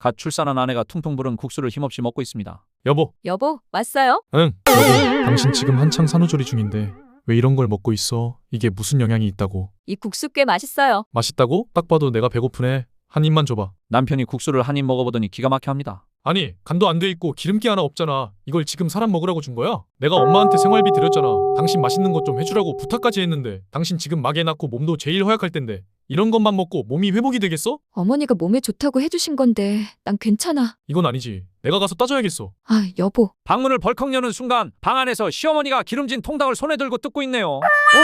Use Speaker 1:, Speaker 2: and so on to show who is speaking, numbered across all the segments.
Speaker 1: 갓 출산한 아내가 퉁퉁 부른 국수를 힘없이 먹고 있습니다.
Speaker 2: 여보, 왔어요?
Speaker 3: 응. 여보, 당신 지금 한창 산후조리 중인데 왜 이런 걸 먹고 있어? 이게 무슨 영향이 있다고?
Speaker 2: 이 국수 꽤 맛있어요.
Speaker 3: 맛있다고? 딱 봐도 내가 배고프네. 한 입만 줘봐.
Speaker 1: 남편이 국수를 한 입 먹어보더니 기가 막혀 합니다.
Speaker 3: 아니, 간도 안 돼 있고 기름기 하나 없잖아. 이걸 지금 사람 먹으라고 준 거야? 내가 엄마한테 생활비 드렸잖아. 당신 맛있는 것 좀 해주라고 부탁까지 했는데 당신 지금 막 애 낳고 몸도 제일 허약할 텐데 이런 것만 먹고 몸이 회복이 되겠어?
Speaker 2: 어머니가 몸에 좋다고 해주신 건데 난 괜찮아.
Speaker 3: 이건 아니지. 내가 가서 따져야겠어.
Speaker 2: 아, 여보.
Speaker 1: 방문을 벌컥 여는 순간 방 안에서 시어머니가 기름진 통닭을 손에 들고 뜯고 있네요.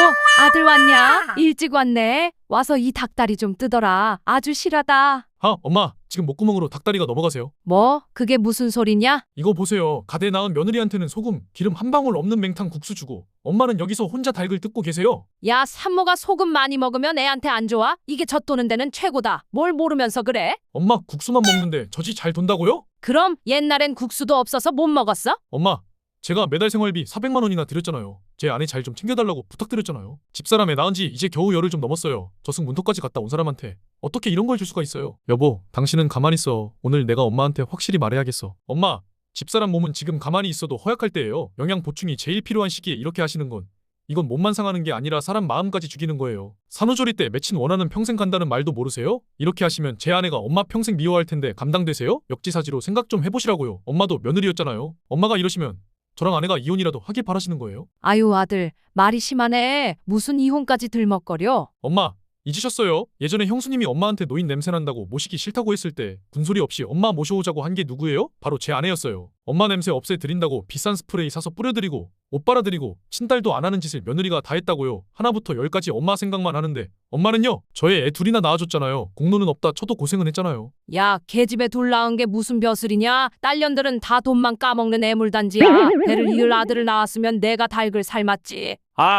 Speaker 4: 아들 왔냐? 일찍 왔네. 와서 이 닭다리 좀 뜯어라. 아주 실하다.
Speaker 3: 엄마, 지금 목구멍으로 닭다리가 넘어가세요.
Speaker 4: 뭐? 그게 무슨 소리냐?
Speaker 3: 이거 보세요. 가대 낳은 며느리한테는 소금, 기름 한 방울 없는 맹탕 국수 주고 엄마는 여기서 혼자 닭을 뜯고 계세요.
Speaker 4: 야, 산모가 소금 많이 먹으면 애한테 안 좋아? 이게 젖도는 데는 최고다. 뭘 모르면서 그래?
Speaker 3: 엄마, 국수만 먹는데 젖이 잘 돈다고요?
Speaker 4: 그럼 옛날엔 국수도 없어서 못 먹었어?
Speaker 3: 엄마, 제가 매달 생활비 400만 원이나 드렸잖아요. 제 아내 잘 좀 챙겨달라고 부탁드렸잖아요. 집사람 애 낳은 지 이제 겨우 열흘 좀 넘었어요. 저승 문턱까지 갔다 온 사람한테 어떻게 이런 걸 줄 수가 있어요? 여보, 당신은 가만히 있어. 오늘 내가 엄마한테 확실히 말해야겠어. 엄마, 집사람 몸은 지금 가만히 있어도 허약할 때예요. 영양 보충이 제일 필요한 시기에 이렇게 하시는 건 이건 몸만 상하는 게 아니라 사람 마음까지 죽이는 거예요. 산후조리 때 맺힌 원하는 평생 간다는 말도 모르세요? 이렇게 하시면 제 아내가 엄마 평생 미워할 텐데 감당되세요? 역지사지로 생각 좀 해보시라고요. 엄마도 며느리였잖아요. 엄마가 이러시면 저랑 아내가 이혼이라도 하길 바라시는 거예요?
Speaker 4: 아유, 아들. 말이 심하네. 무슨 이혼까지 들먹거려?
Speaker 3: 엄마, 잊으셨어요? 예전에 형수님이 엄마한테 노인 냄새 난다고 모시기 싫다고 했을 때 군소리 없이 엄마 모셔오자고 한 게 누구예요? 바로 제 아내였어요. 엄마 냄새 없애드린다고 비싼 스프레이 사서 뿌려드리고 옷 빨아드리고 친딸도 안 하는 짓을 며느리가 다 했다고요. 하나부터 열까지 엄마 생각만 하는데 엄마는요? 저의 애 둘이나 낳아줬잖아요. 공로는 없다 쳐도 고생은 했잖아요.
Speaker 4: 야, 계집애 둘 낳은 게 무슨 벼슬이냐? 딸년들은 다 돈만 까먹는 애물단지야. 배를 이을 아들을 낳았으면 내가 닭을 삶았지.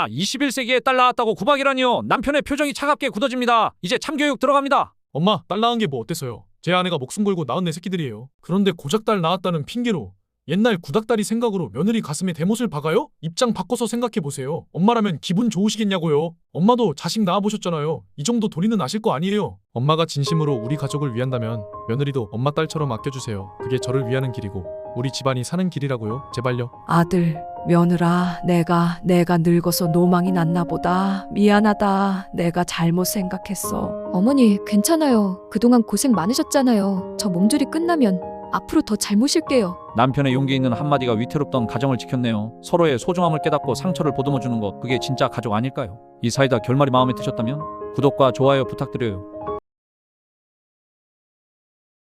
Speaker 1: 21세기에 딸 낳았다고 구박이라니요. 남편의 표정이 차갑게 굳어집니다. 이제 참교육 들어갑니다.
Speaker 3: 엄마, 딸 낳은 게 뭐 어때서요? 제 아내가 목숨 걸고 낳은 내 새끼들이에요. 그런데 고작 딸 낳았다는 핑계로 옛날 구닥다리 생각으로 며느리 가슴에 대못을 박아요? 입장 바꿔서 생각해보세요. 엄마라면 기분 좋으시겠냐고요. 엄마도 자식 낳아보셨잖아요. 이 정도 도리는 아실 거 아니에요. 엄마가 진심으로 우리 가족을 위한다면 며느리도 엄마 딸처럼 아껴주세요. 그게 저를 위하는 길이고 우리 집안이 사는 길이라고요. 제발요.
Speaker 4: 아들, 며느라, 내가 늙어서 노망이 났나 보다. 미안하다. 내가 잘못 생각했어.
Speaker 2: 어머니, 괜찮아요. 그동안 고생 많으셨잖아요. 저 몸조리 끝나면 앞으로 더 잘 모실게요.
Speaker 1: 남편의 용기 있는 한마디가 위태롭던 가정을 지켰네요. 서로의 소중함을 깨닫고 상처를 보듬어주는 것, 그게 진짜 가족 아닐까요? 이 사이다 결말이 마음에 드셨다면 구독과 좋아요 부탁드려요.